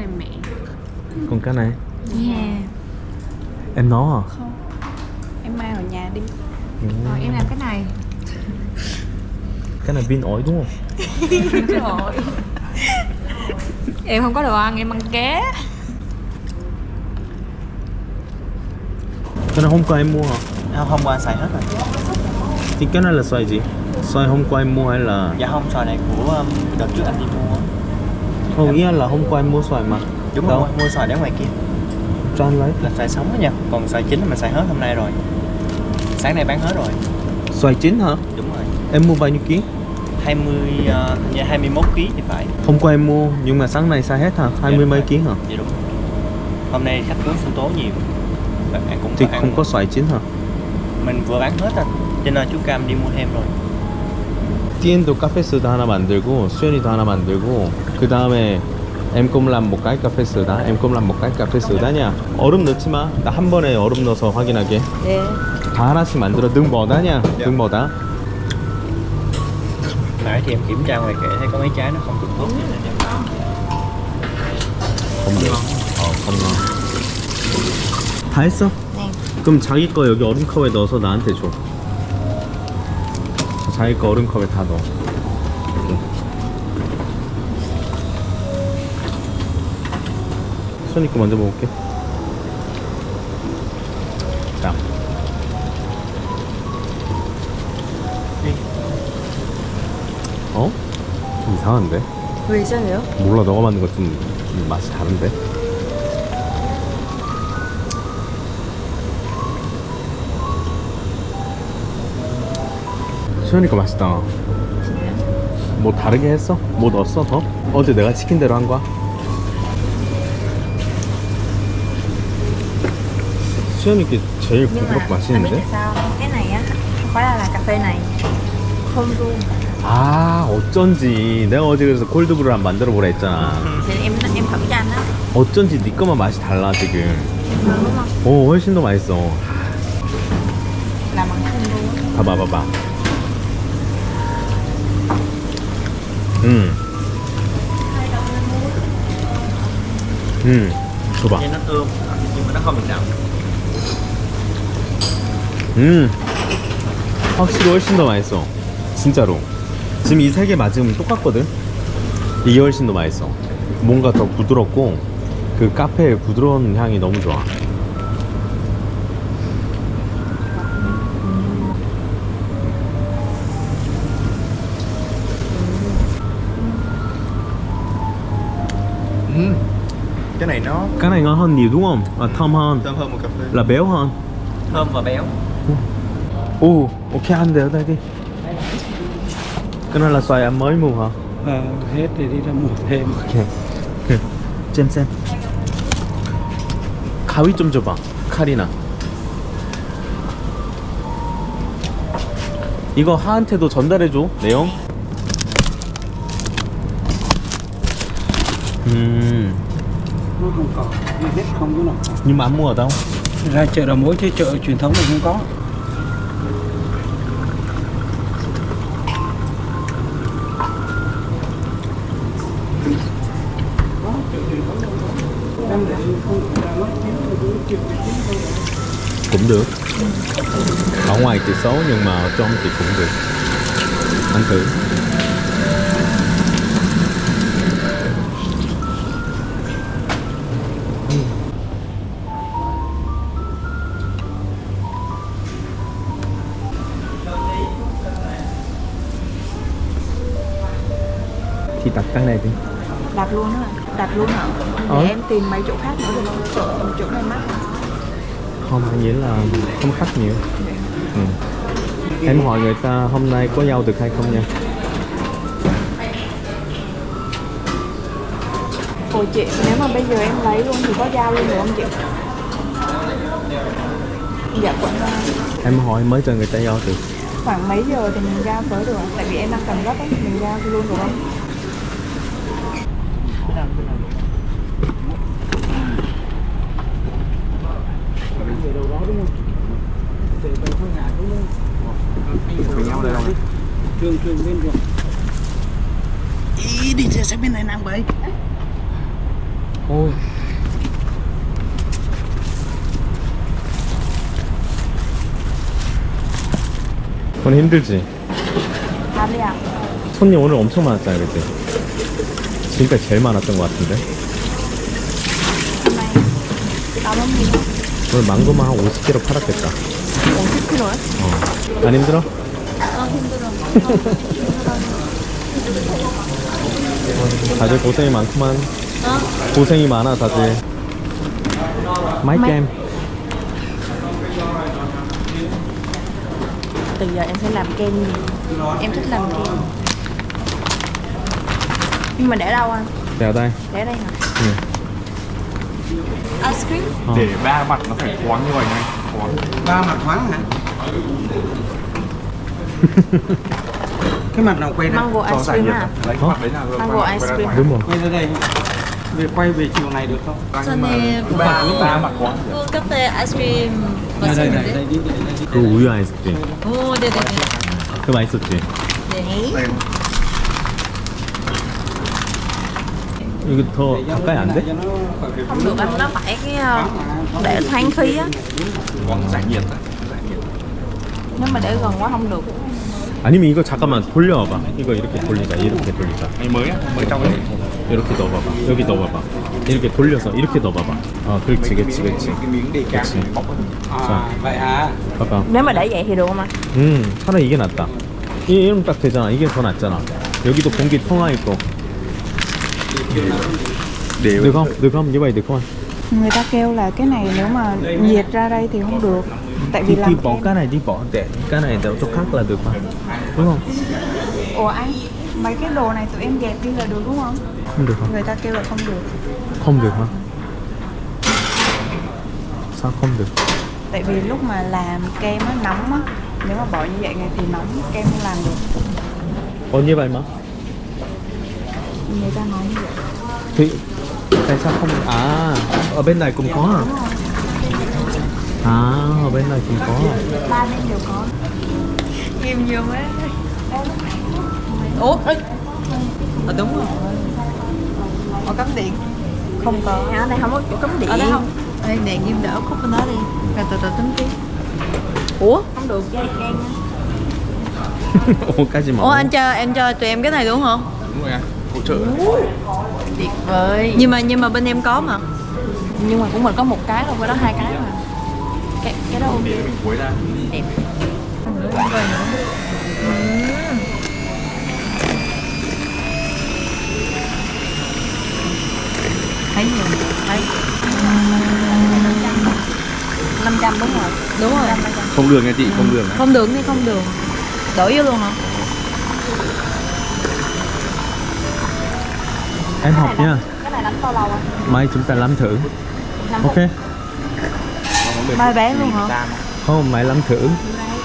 mẹ. Còn cái này Yeah. em nấu hả? Không, em mang ở nhà đi. Rồi em làm cái này. Cái này pin ổi đúng không? Trời. Em không có đồ ăn, em ăn ké. Cái này hôm qua em mua hả? Hôm qua xài hết rồi. Thì cái này là xoài gì? Xoài hôm qua em mua hay là... Dạ không, xoài này của đợt trước anh đi mua. Không, ý là hôm qua em mua xoài mà. Đúng đâu? rồi, mua xoài để ngoài kia. Cho anh lấy. Là xoài sống đó nha. Còn xoài chín là mình xài hết hôm nay rồi. Sáng nay bán hết rồi. Xoài chín hả? Đúng rồi. Em mua bao nhiêu ký? 21 kg thì phải. Hôm qua em mua nhưng mà sáng nay xài hết hả? 20 mấy ký hả? Dạ đúng. Hôm nay khách đến sinh tố nhiều. Bạn cũng Thì ăn. không có xoài chín hả? Mình vừa bán hết rồi. Cho nên chú Cam đi mua thêm rồi. 띠엔도 카페소다 하나 만들고 수연이도 하나 만들고 그 다음에 em cũng làm một cái cà phê soda, em cũng làm một cái cà phê soda nha. 얼음 넣지 마. 나 한 번에 얼음 넣어서 확인하게. 네. 다 하나씩 만들어. 능 뭐다 nha. 능 뭐다. Nãy thì em kiểm tra ngoài kệ thấy có mấy trái nó không được tốt. không được. không ngon. 다 했어? 네. 그럼 자기 거 여기 얼음컵에 넣어서 나한테 줘. 자기 거 얼음컵에 다 넣어. 이렇게. 수연이 거 먼저 먹을게. 자. 어? 좀 이상한데? 왜 이상해요? 몰라, 너가 만든 거 좀 맛이 다른데? 수연이 거 맛있다. 뭐 다르게 했어? 뭐 넣었어 더? 어제 내가 시킨 대로 한 거야? 수연이 게 제일 부드럽고 anh biết 맛있는데? tại sao không? Cái này á không phải là cà phê này không luôn. 아, 어쩐지 내가 어제 그래서 콜드브루 한 만들어 보라 했잖아. Thì em thử cho anh á. 어쩐지 네 거만 맛이 달라 지금. Đúng không? 오, 훨씬 더 맛있어. Làm bằng không luôn. 봐봐. 줘봐. Nghe nó thơm nhưng mà nó không bị đậm. 확실히 훨씬 더 맛있어. 진짜로. 지금 이 세 개 맞으면 똑같거든? 이게 훨씬 더 맛있어. 뭔가 더 부드럽고 그 카페의 부드러운 향이 너무 좋아. Cái này nó Cái này ngon hơn nhiều đúng không? À, thơm hơn. thơm hơn một cà phê. Là béo hơn. Thơm và béo. Ồ, ok, ăn đều đây đi. Cái này là xoài em mới mua hả? Hết thì đi ra mua thêm. 오케이. 잼. 가위 좀 줘봐. 칼이나. 이거 하한테도 전달해줘. 내용. Nó không có, hết không có nào. Nhưng mà ăn mua ở đâu? Ra chợ đầu mối chứ chợ truyền thống thì không có. Cũng được. Ở ngoài thì xấu nhưng mà ở trong thì cũng được. Ăn thử. Thì đặt cái này đi. Đặt luôn á. Đặt luôn hả? Để em tìm mấy chỗ khác nữa thì không sợ chỗ này mắc. Không, anh nghĩ là không khách nhiều. Em hỏi người ta hôm nay có giao được hay không nha. Ôi chị, nếu mà bây giờ em lấy luôn thì có giao luôn được không chị? Dạ quận Em hỏi mới cho người ta giao được. khoảng mấy giờ thì mình giao tới được ạ? Tại vì em đang cần gấp ấy, mình giao luôn được không? Về đâu đó đúng không? Về bên phương Hà đúng không? Với nhau đây đâu? Trường bên rồi. Ý đi xe bên này năng vậy. 오. 오늘 힘들지? 아니야. 손님 오늘 엄청 많았잖아, 그치? 지금까지 제일 많았던 것 같은데? Hôm nay tao bấm gì không? 오늘 망고만 한 50kg 팔았겠다. 50kg á? 안 힘들어? 다들 고생이 많구만. 고생이 많아, 다들. 마이게임. Từ giờ em sẽ làm kem gì? Em thích làm kem. Nhưng mà để đâu anh? Đèo đây. Để đây hả? Ừ. Ice cream? Ờ. Để ba mặt nó phải thoáng như vậy này. Thoáng. Ba mặt thoáng hả? Cái mặt nào quay ra? Mango Cho ice giải cream nhiệt à? ra. Lấy Hả? cái mặt đấy là Mango quay ice ra cream. thoáng. Đúng rồi. Quay ra đây. Quay về chiều này được không? Cho nên ba mặt thoáng. 카페 아이스크림 Đây đây 맛있는데? đây đi. 그 우유 아이스크림. 오, 네네네. 그거 맛있었지? 네. 이거 더 가까이 안 돼? Không được anh, nó phải cái để thoáng khí á. Giải nhiệt. Nếu mà để gần quá không được. 아니면 이거 잠깐만 돌려봐봐. 이거 이렇게 돌리자. 이렇게 돌리자. Này mới á, mới trong cái 이렇게 넣어봐봐. 여기 넣어봐봐. 이렇게 돌려서 이렇게 넣어봐봐. 그렇지, 그렇지, 그렇지. cái miếng để cán 그렇지. bóc 자. à vậy hả? 봐봐. Nếu mà để vậy thì được không anh? 차라리 이게 낫다. 이러면 딱 되잖아. 이게 더 낫잖아. 여기도 공기 통화 있고. Được không? Được không? Như vậy được không? Người ta kêu là cái này nếu mà nhiệt ra đây thì không được. Tại vì Thì làm bỏ kem. cái này đi, bỏ để cái này đỡ chỗ khác là được mà. Đúng không? Ủa anh, mấy cái đồ này tụi em dẹp đi là được đúng không? Không được hả? Người ta kêu là không được. Không được hả? Sao không được? Tại vì lúc mà làm kem nó nóng á. Nếu mà bỏ như vậy này thì nóng, kem không làm được. Như vậy mà. Người ta nói như vậy. Thì tại sao không? À, ở bên này cũng có à? À, ở bên này cũng có. Ba bên đều có. Im nhiều quá. 오? đúng rồi. Có cắm điện. Không có. Ở đây không có chỗ cắm điện. Ở đây không? Đây, đèn ghim đỡ khúc bên đó đi. Rồi từ từ tính tiếp. Ủa? Không được dây đen á. 오까지 Ủa em cho tụi em cái này đúng không? Đúng rồi à, hỗ trợ. Tuyệt vời. Nhưng mà bên em có mà. Nhưng mà của mình có một cái thôi, với đó hai cái mà. Cái đó ok. Để mình cuối ra. Đẹp. Thấy nhiều. Thấy. 500 đúng rồi. Đúng rồi. Không đường nha chị, không đường. Không đường thì không đường. Đổ vô luôn hả? Em học nha. Cái này đánh bao lâu anh? Mai chúng ta làm thử. Năm Ok. Mai bán luôn hả? Không, mai làm thử.